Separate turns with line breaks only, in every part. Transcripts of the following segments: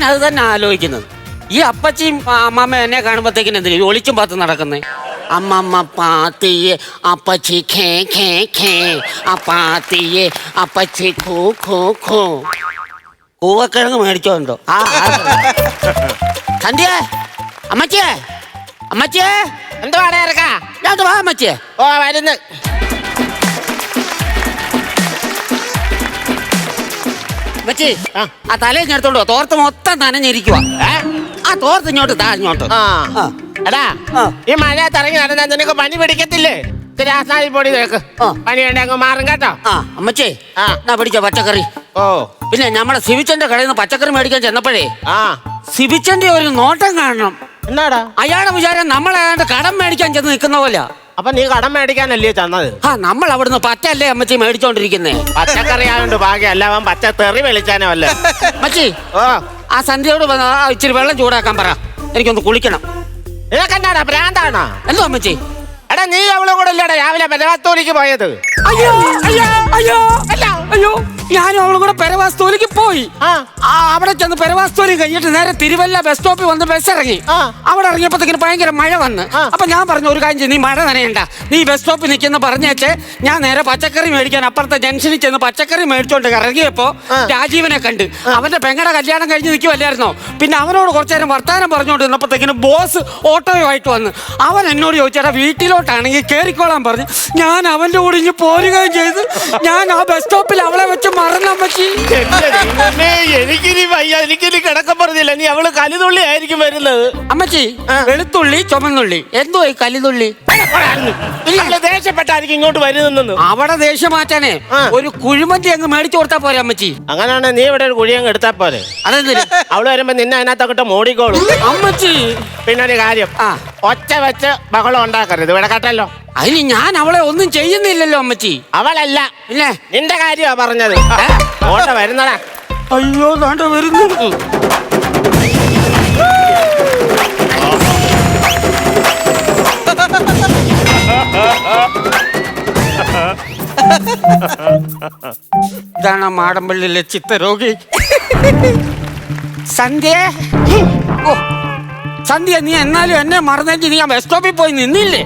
അത് തന്നെ ആലോചിക്കുന്നത്. ഈ അപ്പച്ചിയും അമ്മമ്മ എന്നെ കാണുമ്പോഴത്തേക്കിന് എന്തിനാ ഒളിച്ചും പാത്ത് നടക്കുന്നേ? അമ്മമ്മ പാത്തിയെ അപ്പച്ചി ഖേ ഖേ ഖേ, അപ്പാത്തിയെ അപ്പച്ചി ഖൂ ഖൂ ഖൂ. കൂവക്കിഴങ്ങ് മേടിച്ചോണ്ടോ? സന്ധ്യേ, അമ്മച്ചിയെ, അമ്മച്ചിയെ,
എന്തോ ഇറക്കാ?
ഞാൻ വാ അമ്മച്ചിയെ.
ഓ വരുന്നു.
അമ്മച്ചി, ആ തലയിൽ എടുത്തോണ്ടോ? തോർത്ത് മൊത്തം നനഞ്ഞിരിക്കുക. ആ തോർത്ത് ഇങ്ങോട്ട് താ, ഇങ്ങോട്ട്.
എടാ, ഈ മഴയത്ത് ഇറങ്ങി നടന്നാ നിനക്ക് പനി പിടിക്കത്തില്ലേ? ആസ്നായി പൊടി തേക്ക്, പനി ഉണ്ടെങ്കിൽ മാറും കേട്ടോ.
അമ്മച്ചേ, എന്നാ പിടിച്ച പച്ചക്കറി.
ഓ
പിന്നെ നമ്മുടെ സിബിച്ചന്റെ കടയിൽ നിന്ന് പച്ചക്കറി മേടിക്കാൻ ചെന്നപ്പോഴേ സിബിച്ചന്റെ ഒരു നോട്ടം കാണണം.
എന്നാടാ?
അയാളുടെ വിചാരം നമ്മളേതാണ്ട് കടം മേടിക്കാൻ ചെന്ന് നിൽക്കുന്ന പോലെ.
അപ്പൊ നീ കടം മേടിക്കാനല്ലേ ചെന്നത്?
നമ്മൾ അവിടുന്ന് പച്ചല്ലേ അമ്മച്ചി മേടിച്ചോണ്ടിരിക്കുന്നേ.
പച്ചക്കറി ആയോണ്ട് ഭാഗ്യം, അല്ല അവൻ പച്ച തെറി വെളിച്ചാനോ അല്ല.
അമ്മച്ചി, ആ സന്ധ്യയോട് ഇച്ചിരി വെള്ളം ചൂടാക്കാൻ പറ, എനിക്കൊന്ന് കുളിക്കണം.
നിനക്കെന്നാടാ ഭ്രാന്താണോ?
എന്തോ അമ്മച്ചി?
എടാ, നീ അവളും കൂടെ ഇല്ലടാ രാവിലെ പെരവാസ്തോലിക്ക് പോയത്?
അയ്യോ അയ്യോ അയ്യോ അയ്യോ, ഞാനും അവളും കൂടെ പെരവാസ്തോലിക്ക് പോയി. അവിടെ ചെന്ന് പെരവാസ്തോലി കഴിഞ്ഞിട്ട് നേരെ തിരുവല്ല ബസ് സ്റ്റോപ്പിൽ വന്ന് ബസ് ഇറങ്ങി. അവിടെ ഇറങ്ങിയപ്പോഴത്തേക്കിന് ഭയങ്കര മഴ വന്ന്. അപ്പൊ ഞാൻ പറഞ്ഞു, ഒരു കാര്യം ചെയ്യ്, നീ മഴ നനയണ്ട, നീ ബസ് സ്റ്റോപ്പിൽ നിൽക്കുന്ന പറഞ്ഞേച്ച് ഞാൻ നേരെ പച്ചക്കറി മേടിക്കാൻ അപ്പുറത്തെ ജംഗ്ഷനിൽ ചെന്ന് പച്ചക്കറി മേടിച്ചോണ്ട് ഇറങ്ങിയപ്പോ രാജീവനെ കണ്ട്. അവന്റെ പെങ്ങളുടെ കല്യാണം കഴിഞ്ഞ് നിൽക്കുമല്ലായിരുന്നോ? പിന്നെ അവനോട് കുറച്ചു നേരം വർത്താനം പറഞ്ഞുകൊണ്ട് നിന്നപ്പോഴത്തേക്കിന് ബോസ് ഓട്ടോയുമായിട്ട് വന്ന്. അവൻ എന്നോട് ചോദിച്ചാൽ വീട്ടിലോട്ടാണെങ്കിൽ കേറിക്കോളാൻ പറഞ്ഞു. ഞാൻ അവന്റെ കൂടെ ഇനി പോരുകയും ചെയ്ത് ഞാൻ ആ ബസ് സ്റ്റോപ്പിൽ അവളെ വെച്ച് മറന്നമ്മച്ചി.
എനിക്കിനി വയ്യ, എനിക്കിനി കിടക്കം പറഞ്ഞില്ല. നീ അവള് കലിതുള്ളി ആയിരിക്കും വരുന്നത്.
അമ്മച്ചി, വെളുത്തുള്ളി ചുമന്നുള്ളി, എന്തോ ഈ കലിതുള്ളി?
ദേഷ്യപ്പെട്ടായിരിക്കും ഇങ്ങോട്ട് വരുന്നെന്ന്.
അവിടെ ദേഷ്യം മാറ്റാനേ ഒരു കുഴിമന്തി അങ്ങ് മേടിച്ചു കൊടുത്താ പോരെ അമ്മച്ചി?
അങ്ങനെയാണെ നീ ഇവിടെ ഒരു കുഴി അങ്ങ് എടുത്താ പോരെ.
അതെന്തിന്?
അവള് വരുമ്പോ നിന്നെ അതിനകത്തൊക്കെ മോടിക്കോളും
അമ്മച്ചി.
പിന്നെ ഒരു കാര്യം, ഒച്ച വെച്ച് ബഹളം ഉണ്ടാക്കരുത്, ഇവിടെ കേട്ടല്ലോ.
അതിന് ഞാൻ അവളെ ഒന്നും ചെയ്യുന്നില്ലല്ലോ അമ്മച്ചി.
അവളല്ല,
പിന്നെ
നിന്റെ കാര്യമാ പറഞ്ഞത്. ഓട്ട വരുന്നടാ.
അയ്യോ, ദാണ്ട വരുന്നു. ഇതാണ് മാടമ്പള്ളിയിലെ ചിത്തരോഗി സന്ധ്യ. ഓ സന്ധ്യ, നീ എന്നാലും എന്നെ മറന്നെങ്കിൽ നീ ആ ബസ് സ്റ്റോപ്പിൽ പോയി നിന്നില്ലേ?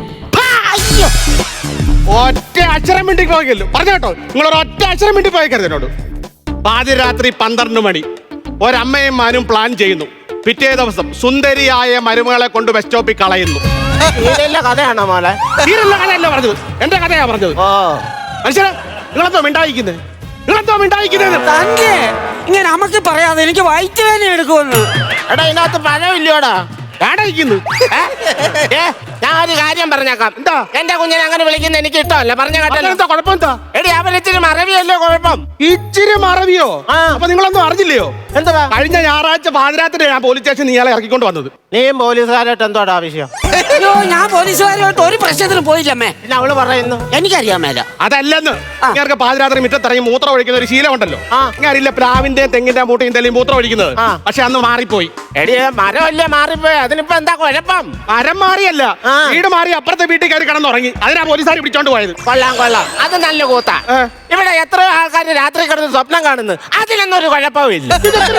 ഒറ്റ അക്ഷരം മിണ്ടി പോയല്ലോ, പറഞ്ഞോട്ടോ. നിങ്ങളൊരു ഒറ്റ അക്ഷരം മിണ്ടി പോയേക്കരുത് എന്നോട്. പാതിരാത്രി 12 മണി ഒരമ്മയും മാനും പ്ലാൻ ചെയ്യുന്നു. പിറ്റേ ദിവസം സുന്ദരിയായ മരുമകളെ കൊണ്ട് ബസ് സ്റ്റോപ്പിൽ കളയുന്നു.
കഥയാണോ മോളെ?
തീരുള്ള കഥയല്ല പറഞ്ഞത്, എന്റെ കഥയാ പറഞ്ഞത്. മനുഷ്യരെ, നിങ്ങളെന്തോ മിണ്ടായിക്കുന്നത്? നിങ്ങളെന്തോ മിണ്ടായിക്കുന്നത്?
ഇങ്ങനെ നമുക്ക് പറയാതെ എനിക്ക് വയറ്റുവേദന എടുക്കുമെന്ന്.
എടാ, ഇതിനകത്ത് പഴമില്ലയോടാ?
കാടായിക്കുന്നു.
ഞാൻ ഒരു കാര്യം പറഞ്ഞേക്കാം.
എന്താ?
എന്റെ കുഞ്ഞിനെ അങ്ങനെ വിളിക്കുന്ന എനിക്ക് ഇഷ്ടമല്ല. പറഞ്ഞ കേട്ടോ.
കുഴപ്പം എന്താ?
എടി, അവരിച്ചിരി മറവിയല്ലേ കുഴപ്പം?
ഇച്ചിരി മറവിയോ? അപ്പൊ നിങ്ങളൊന്നും അറിഞ്ഞില്ലയോ?
എന്താ?
കഴിഞ്ഞ ഞായറാഴ്ച പാതിരാത്രി ഞാൻ പോലീസ് സ്റ്റേഷൻ നീയാളെ ഇറക്കിക്കൊണ്ട് വന്നത്.
നീയും പോലീസുകാരായിട്ട് എന്തോടാ ആവശ്യം?
അയ്യോ, ഞാൻ പോലീസുകാരുമായിട്ട് ഒരു പ്രശ്നത്തിനും പോയില്ലമ്മേ.
പിന്നെ അവള് പറയുന്നു
എനിക്കറിയാൻ മേല.
അതല്ലെന്ന്. ഇങ്ങനെ പാതിരാത്രി മുറ്റത്തിറങ്ങി മൂത്രം ഒഴിക്കുന്ന ഒരു ശീലം ഉണ്ടല്ലോ. അറിയില്ല, പ്ലാവിന്റെ തെങ്ങിന്റെ മൂട്ടയും തെളിയും മൂത്രം ഒഴിക്കുന്നത്. പക്ഷെ അന്ന് മാറിപ്പോയി.
എടി, മരമല്ലേ മാറിപ്പോയി, അതിനിപ്പോ എന്താ കുഴപ്പം?
മരം മാറിയല്ല, വീട് മാറി അപ്പുറത്തെ വീട്ടിൽ കയറി കിടന്നുറങ്ങി. അതിനാ പോലീസുകാർ പിടിച്ചോണ്ട് പോയത്.
കൊള്ളാം കൊള്ളാം, അത് നല്ല കൂത്താ. ഇവിടെ എത്രയോ ആൾക്കാർ രാത്രി കിടന്ന് സ്വപ്നം കാണുന്നു, അതിലൊന്നും ഒരു കുഴപ്പമില്ല.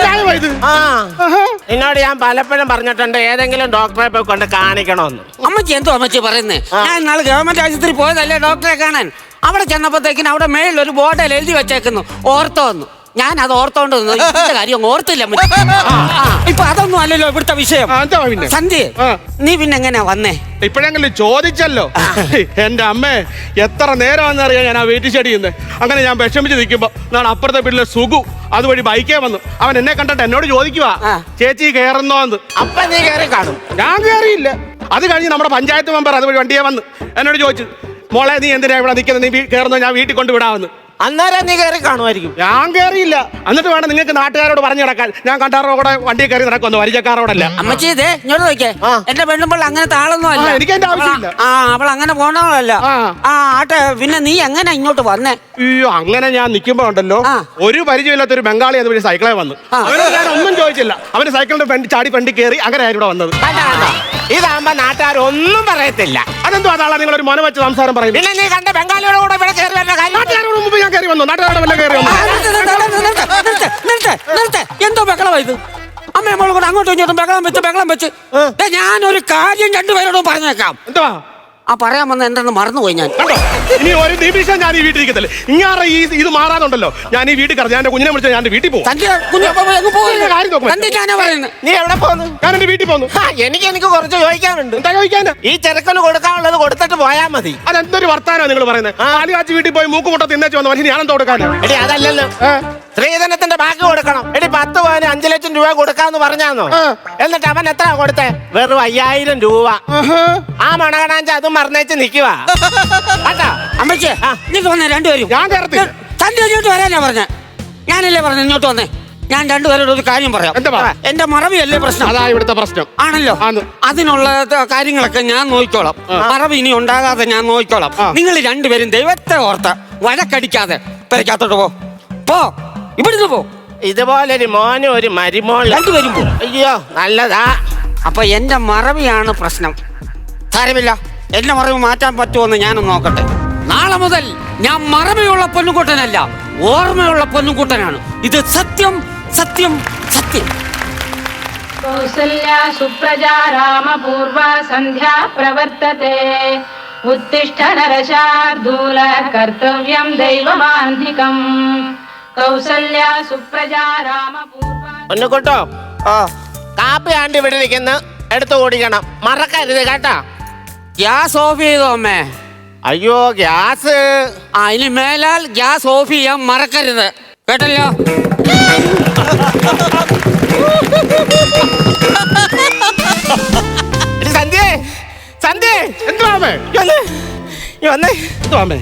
എന്നോട് ഞാൻ പലപ്പോഴും പറഞ്ഞിട്ടുണ്ട് ഏതെങ്കിലും ഡോക്ടറെ പോയി കൊണ്ട് കാണിക്കണമെന്ന്.
അമ്മച്ചി എന്തോ അമ്മച്ചി പറയുന്നേ? ഞാൻ നാളെ ഗവൺമെന്റ് ആശുപത്രി പോയതല്ലേ ഡോക്ടറെ കാണാൻ. അവിടെ ചെന്നപ്പോഴത്തേക്കിന് അവിടെ മേളിൽ ഒരു ബോർഡിൽ എഴുതി വെച്ചേക്കുന്നു ഓർത്തോ എന്ന്. ഞാൻ അത് ഓർത്തോണ്ട് കാര്യം ഓർത്തില്ല. ഇപ്പൊ അതൊന്നും അല്ലല്ലോ ഇവിടുത്തെ വിഷയം. സന്ധ്യ, നീ പിന്നെ എങ്ങനെയാ വന്നേ?
ഇപ്പോഴെങ്കിലും ചോദിച്ചല്ലോ. എന്റെ അമ്മേ, എത്ര നേരമാണെന്നറിയാം ഞാൻ ആ വീട്ടിൽ ചെടിയുന്നത്. അങ്ങനെ ഞാൻ വിഷമിച്ച് നിൽക്കുമ്പോ നാളെ അപ്പുറത്തെ വീട്ടിലെ സുഖു അതുവഴി ബൈക്കേ വന്നു. അവൻ എന്നെ കണ്ടിട്ട് എന്നോട് ചോദിക്കുവാ, ചേച്ചി കയറുന്നോന്ന്.
അപ്പൊ നീ കയറി കാണും.
ഞാൻ കയറിയില്ല. അത് കഴിഞ്ഞ് നമ്മുടെ പഞ്ചായത്ത് മെമ്പർ അതുവഴി വണ്ടിയെ വന്ന് എന്നോട് ചോദിച്ചു, മോളെ നീ എന്തിനാ ഇവിടെ നിൽക്കുന്നത്, നീ കയറുന്നോ, ഞാൻ വീട്ടിൽ കൊണ്ട് വിടാമെന്ന്.
അന്നേരം നീ കയറി കാണുമായിരിക്കും.
ഞാൻ കയറിയില്ല. എന്നിട്ട് വേണം നിങ്ങൾക്ക് നാട്ടുകാരോട് പറഞ്ഞു നടക്കാൻ. ഞാൻ കണ്ടാറോ കൂടെ വണ്ടി കയറി നടക്കുന്നു, പരിചയക്കാരോടല്ല.
അമ്മച്ചി ഇതേ ഇങ്ങോട്ട് നോക്കിയേ, എന്റെ പെണ്ണുമ്പോൾ അങ്ങനത്തെ ആളൊന്നും അല്ല.
എനിക്ക് എന്റെ ആവശ്യമില്ല.
അവൾ അങ്ങനെ പോണവളല്ല. ആട്ടെ, പിന്നെ നീ എങ്ങനെ ഇങ്ങോട്ട് വന്നേ?
അയ്യോ, അങ്ങനെ ഞാൻ നിൽക്കുമ്പോ ഉണ്ടല്ലോ, ഒരു പരിചയമില്ലാത്ത ഒരു ബംഗാളി അതുവഴി സൈക്കിളെ വന്നു. അവനോട് ഞാൻ ഒന്നും ചോദിച്ചില്ല. അവന് സൈക്കിളിന്റെ ഫ്രണ്ട് ചാടി ഫ്രണ്ടി കയറി. അങ്ങനെ ആയിരുന്നു ഇവിടെ വന്നത്.
ഇതാകുമ്പോ നാട്ടുകാർ ഒന്നും പറയത്തില്ല.
അതെന്തോ അതാളാ നിങ്ങൾ ഒരു മൊന വെച്ച് സംസാരം പറയും.
പിന്നെ നീ കണ്ട ബംഗാളിയോട് കൂടെ ഇവിടെ കയറി വരുന്ന കാര്യം.
നാട്ടുകാരോട് മുമ്പ് ഞാൻ കയറി വന്നു. നാട്ടുകാരോട് വല്ല കയറി വന്നു.
എന്തോ ബഹളമാ ഇത്? അമ്മയും മോളും കൂടെ അങ്ങോട്ടും ഇങ്ങോട്ടും ബഹളം വെച്ച് ദേ, ഞാനൊരു കാര്യം രണ്ടുപേരോടും പറഞ്ഞേക്കാം.
എന്തുവാ
ആ പറയാൻ വന്ന എന്തെന്ന് മറന്നുപോയി ഞാൻ.
കണ്ടോ ഇനി ഒരു നിമിഷം ഞാൻ ഈ വീട്ടിൽ ഇരിക്കത്തില്ല. ഇങ്ങാറെ ഇത് മാറാതുണ്ടല്ലോ, ഞാൻ ഈ വീട്ടിൽ കറ ഞാൻ എന്റെ കുഞ്ഞിനെ വിളിച്ചാൽ ഞാൻ എന്റെ വീട്ടിൽ പോകും.
തന്റെ കുഞ്ഞ് എങ്ങ് പോകില്ല.
കാര്യം നോക്ക്.
തന്റെ ഞാനാ പറയുന്നത്.
നീ എവിടെ പോന്നു?
ഞാൻ എന്റെ വീട്ടിൽ പോകുന്നു.
എനിക്ക് കുറച്ച് ചോദിക്കാനുണ്ട്.
എന്താ ചോദിക്കാന്?
ഈ ചെറുക്കന് കൊടുക്കാനുള്ളത് കൊടുത്തിട്ട് പോയാ മതി.
അതെന്തൊരു വർത്താനോ നിങ്ങൾ പറയുന്നത്? പാല് കാച്ചി വീട്ടിൽ പോയി മൂക്ക് മുട്ട തിന്നേച്ച് വന്ന മനുഷ്യൻ ഞാനെന്താ കൊടുക്കാനാ?
എടി അതല്ലല്ലോ, സ്ത്രീധനത്തിന്റെ ബാക്കി കൊടുക്കണം. എടി 10 പവന് 5 ലക്ഷം രൂപ കൊടുക്കാന്ന് പറഞ്ഞാന്നോ? എന്നിട്ട് അവൻ എത്ര കൊടുത്തേ? വെറും 5000 രൂപ. ആ മണകണാഞ്ച അതും മറന്നേച്ച് നിക്കുവാ.
അമ്മച്ചേ ഇങ്ങോട്ട് വന്നേ രണ്ടുപേരും.
ഞാൻ കയറത്തില്ല.
തന്റെ ഇങ്ങോട്ട് വരാനാ പറഞ്ഞ. ഞാനല്ലേ പറഞ്ഞ ഇങ്ങോട്ട് വന്നേ. ഞാൻ രണ്ടുപേരോട് ഒരു കാര്യം പറയാം.
എന്താ?
എന്റെ മറവിയല്ലേ പ്രശ്നം?
അതാ ഇവിടുത്തെ പ്രശ്നം.
ആണല്ലോ. അതിനുള്ള കാര്യങ്ങളൊക്കെ ഞാൻ നോക്കിക്കോളാം. മറവി ഇനി ഉണ്ടാകാതെ ഞാൻ നോക്കിക്കോളാം. നിങ്ങൾ രണ്ടുപേരും ദൈവത്തെ ഓർത്ത് വഴക്കടിക്കാതെ പെരക്കാത്തോട്ട് പോ. ഇവിടുന്ന് പോ.
ഇതുപോലൊരു മോനും ഒരു മരുമോള്
രണ്ടുപേരും പോ.
അയ്യോ നല്ലതാ.
അപ്പൊ എന്റെ മറവിയാണ് പ്രശ്നം. സാരമില്ല, എന്റെ മറവി മാറ്റാൻ പറ്റുമെന്ന് ഞാനൊന്ന് നോക്കട്ടെ. നാളെ മുതൽ ഞാൻ മറവിയുള്ള പൊന്നുകൂട്ടനല്ല, ഓർമ്മയുള്ള പൊന്നുകൂട്ടനാണ്. ഇത് സത്യം സത്യം സത്യം.
കൗസല്യാ സുപ്രജാ രാമപൂർവ സന്ധ്യാ പ്രവർത്തത്തെ ഉത്തിഷ്ഠ നരശാർദൂല കർത്തവ്യം ദൈവമാന്ധികം. കൗസല്യാ സുപ്രജാ രാമപൂർവ.
ഒന്നുകൂട്ടോ കാപ്പി ആണ്ട് ഇവിടെ നിൽക്കുന്ന എടുത്തു ഓടിക്കണം, മറക്കരുത് കേട്ടാ.
ഗ്യാസ് ഓഫ് ചെയ്തോ അമ്മേ?
അയ്യോ ഗ്യാസ്.
ഇനി മേലാൽ ഗ്യാസ് ഓഫ് ചെയ്യാൻ മറക്കരുത് കേട്ടല്ലോ.
സന്ധ്യേ സന്ധ്യേ
എന്തുവാമേ? എന്തുവാമേ?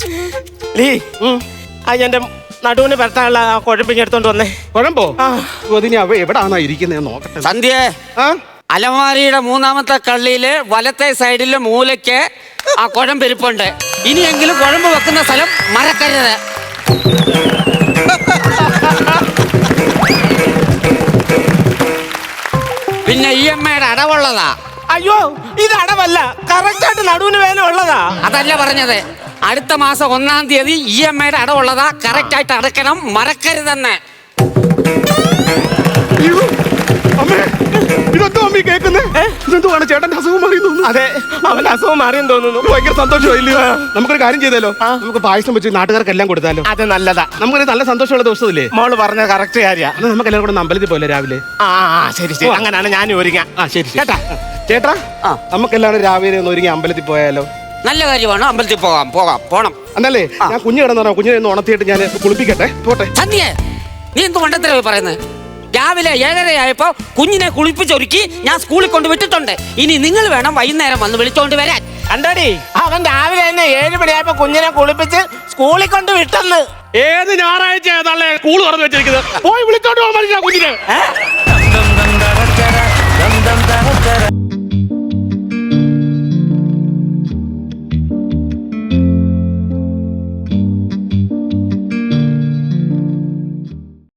എന്റെ നടുവിന് പെരത്താനുള്ള കുഴപ്പിഞ്ഞെടുത്തോണ്ട് വന്നേ.
കുഴമ്പോ? അതിന് എവിടാണോ ഇരിക്കുന്നത് നോക്കട്ടെ.
സന്ധ്യേ, അലമാരിയുടെ 3ാമത്തെ കള്ളിയില് വലത്തെ സൈഡിലെ മൂലയ്ക്ക് ആ കുഴമ്പിരിപ്പുണ്ട്. ഇനിയെങ്കിലും കുഴമ്പ് വെക്കുന്ന സ്ഥലം മറക്കരുത്. പിന്നെ EMI അടവുള്ളതാ.
അയ്യോ ഇത് അടവല്ല, കറക്റ്റായിട്ട് നടുവിന് വേദന ഉള്ളതാ.
അതല്ല പറഞ്ഞത്. അടുത്ത മാസം 1-ാം തീയതി EMI അടവുള്ളതാ. കറക്റ്റ് ആയിട്ട് അടക്കണം, മറക്കരുതെന്ന്.
ഇതെന്തോ അമ്മ കേൾക്കുന്നേ? ഇതെന്തുവാണ് ചേട്ടന്റെ അസുഖം മാറിയെന്ന്?
അതെ, അവന്റെ അസുഖം മാറിയെന്ന് തോന്നുന്നു.
ഭയങ്കര സന്തോഷമായില്ലയോ? നമുക്കൊരു കാര്യം ചെയ്താലോ? നമുക്ക് പായസം വെച്ച് നാട്ടുകാർക്കെല്ലാം കൊടുത്താലോ?
അത് നല്ലതാ.
നമുക്കൊരു നല്ല സന്തോഷമുള്ള ദിവസമില്ലേ?
മോള് പറഞ്ഞ കറക്റ്റ് കാര്യ.
നമുക്ക് എല്ലാവരും കൂടെ അമ്പലത്തിൽ പോലെ രാവിലെ.
ശരി ശരി, അങ്ങനെയാണ് ഞാൻ ഒരുങ്ങാം.
ശരി ചേട്ടാ. ചേട്ടാ നമുക്കെല്ലാവരും രാവിലെ ഒന്ന് ഒരുങ്ങി അമ്പലത്തിൽ പോയാലോ?
നല്ല കാര്യമാണ്. അമ്പലത്തിൽ പോണം.
എന്നല്ലേ ഞാൻ കുഞ്ഞു കിടന്നോ? കുഞ്ഞിനെ ഒന്ന് ഉണർത്തിയിട്ട് ഞാൻ കുളിപ്പിക്കട്ടെ. പോട്ടെ.
സന്ധ്യേ, നീ എന്ത് മണ്ടത്തരവാ പറയുന്നത്? രാവിലെ 7:30 കുഞ്ഞിനെ കുളിപ്പിച്ചൊരുക്കി ഞാൻ സ്കൂളിൽ കൊണ്ട് വിട്ടിട്ടുണ്ട്. ഇനി നിങ്ങൾ വേണം വൈകുന്നേരം വന്ന് വിളിച്ചോണ്ട് വരാൻ.
കണ്ടോടി, അവൻ രാവിലെ തന്നെ 7 മണിയായപ്പോ കുഞ്ഞിനെ കുളിപ്പിച്ച് സ്കൂളിൽ കൊണ്ട് വിട്ടെന്ന്.
ഏത് ഞായറാഴ്ച ഏതാളെ സ്കൂൾ തുറന്നു വെച്ചിരിക്കുന്നത്? പോയി വിളിച്ചോണ്ട് പോകാൻ കുഞ്ഞിനെ.